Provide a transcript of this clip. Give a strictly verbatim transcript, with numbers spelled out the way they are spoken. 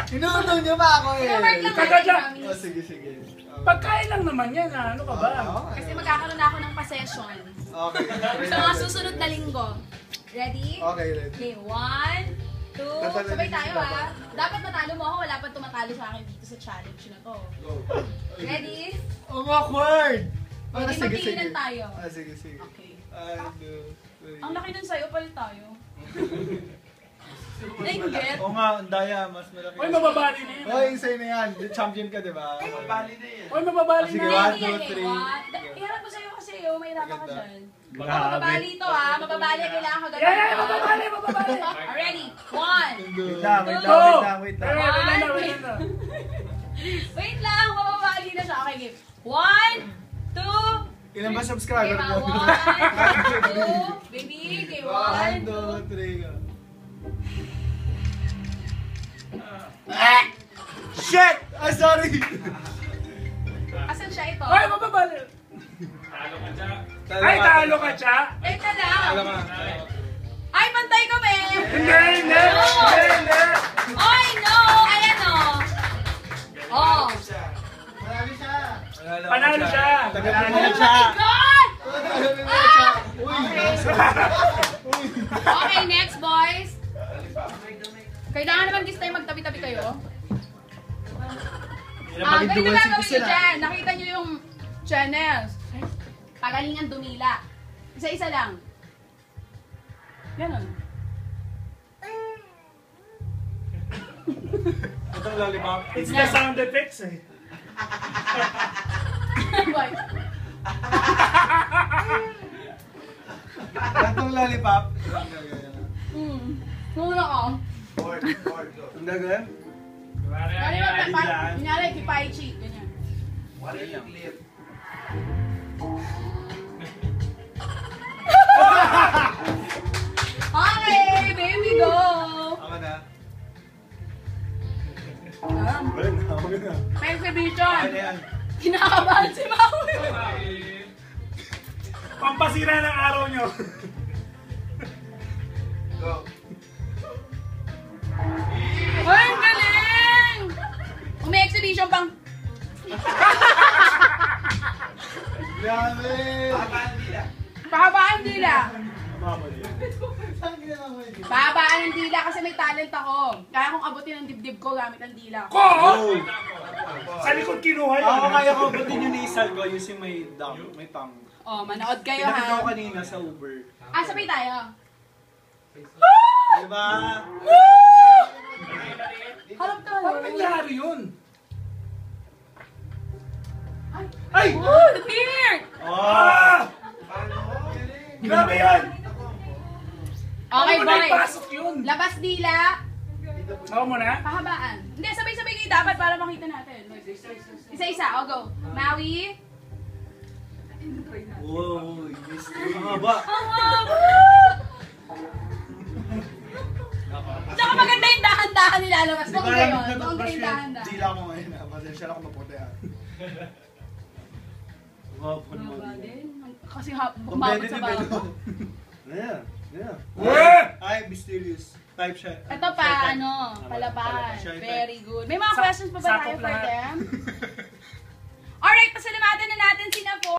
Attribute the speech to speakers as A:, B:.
A: Inuuno niyo pa ako eh.
B: Pinamark lang
C: Taga
B: natin,
C: dyan.
B: promise.
A: Oh, sige, sige.
C: Pagkain lang naman yan, ha? Ano ka ba?
B: Kasi magkakaroon na ako ng pa-session.
A: Okay.
B: Sa mga susunod na linggo. Ready?
A: Okay, ready.
B: Okay, one, two,
A: Tatalo
B: sabay
A: din si
B: tayo
A: Papa.
B: ah. Dapat matalo mo ako, wala pa tumatalo sa akin dito sa challenge na to.
A: Go.
B: Ready?
A: Ang awkward! Ah,
B: Ready,
A: sige, sige.
B: magtinginan tayo.
A: Ah, sige, sige.
B: Okay.
A: One, two, three.
B: Ang laki nun sa'yo, palit tayo. Nainggit?
D: Oo nga, ang daya, mas malaki.
C: Uy, mababali na yun.
A: Oh, yung sa'yo na yan. Champion ka, di ba?
D: Mabali na yan.
C: Uy, mababali
A: Sige,
C: na.
A: one,
B: Hindi
A: two,
B: yan eh,
A: three.
B: what? Da- Iharap ko sa'yo kasi oh, may hirapan ka
A: Maganda.
B: dyan.
D: Grabe.
B: Mababali to ah, mababali, kailangan ka ganun.
C: Yeah, yeah, mababali, mababali.
B: Ready? One.
D: Wait lang, wait lang,
C: Go!
D: wait lang, wait
C: Eh,
D: lang.
C: wala na, wala na.
B: Wait lang, mababali na siya. Okay, game. One, two,
A: Ilan ba
B: okay,
A: subscriber
B: ma.
A: mo?
B: One, two, baby, okay,
A: One,
B: one,
A: two,
B: two.
A: three, go.
D: Shit!
A: Ah, sorry!
B: Asan siya ito?
C: Uy, mababali. Ay, talo ka, Cha.
B: Teka lang.
A: Alam ka.
B: Ay, pantay kami.
C: Hindi, hindi.
B: No.
C: Hindi, hindi.
B: Ay, no. Ayan o. Oh.
A: Marami siya.
C: Panalo siya.
A: Tagal
C: Panalo
A: mo
B: Oh
C: siya.
B: my God!
A: Tagal mo siya. Uy! Uy!
B: Okay, next, boys. Kailangan naman this time magtabi-tabi kayo. Ah, ganito gagawin nyo dyan. Nakita nyo yung channels. Pagalingan dumila. Isa-isa lang. Ganon.
D: Itong lollipop.
C: It's the sound effects, eh.
B: Boy.
D: Itong lollipop.
B: Hmm. Muna ka.
D: Ang gagawin?
B: Kaya naman, pa- kunyari, kipay cheat. Ganyan. Okay, baby, go!
D: Ako na.
B: Um,
D: Wala na, ako na.
B: may exhibition.
D: Ano yan?
B: Kinakabahan si Maui.
C: Pampasira ng araw nyo.
B: Ay, ang galing! Kung may exhibition pang...
A: Grabe!
B: Pahabaan dila.
A: Saan ginawa mo yun?
B: Pahabaan ng dila kasi may talent ako. Kaya kong abutin ang dibdib ko gamit ang dila ko.
C: Ko! Sa likod kinuha yun.
D: Ako kaya ko, batin yung nasal ko, yung si may dam, may pang.
B: Oh, manood kayo
D: Pinakita ko
B: ha.
D: kanina sa Uber.
B: Ah, sabay tayo.
D: Diba?
B: Harap ka.
C: Paano nangyari yun?
B: Ay! Oh, the beard!
D: Oh!
C: Grabe yun!
B: Okay,
C: Ano mo
B: boys.
C: naipasok yun?
B: Labas dila.
C: Ako mo na?
B: Pahabaan. Hindi, sabay-sabay kayo dapat para makita natin. Isa-isa, o go. Maui.
D: Wow, mystery. Ang haba.
B: Ang haba! Tsaka maganda yung dahan-dahan nilalabas.
D: Di
B: Kung
D: ba
B: kayo,
D: alam
B: kung kayo
D: nag-brush
B: yung
D: yun?
B: dahan-dahan.
A: Dila ko ngayon ah. Pasensya na ako maputi ah.
D: Wow,
B: Haba
D: naman.
B: din. Kasi ha, umabot
D: Competitive
B: sa
D: eh,
B: bago.
D: no? Yeah, yeah.
C: Eh!
D: Ay, mysterious. Type siya.
B: Ito pa, ano, palaban. Very good. May mga
C: Sa-
B: questions pa ba tayo
C: sakop
B: for
C: lahat.
B: them? Alright, pasalamatan na natin si Napo.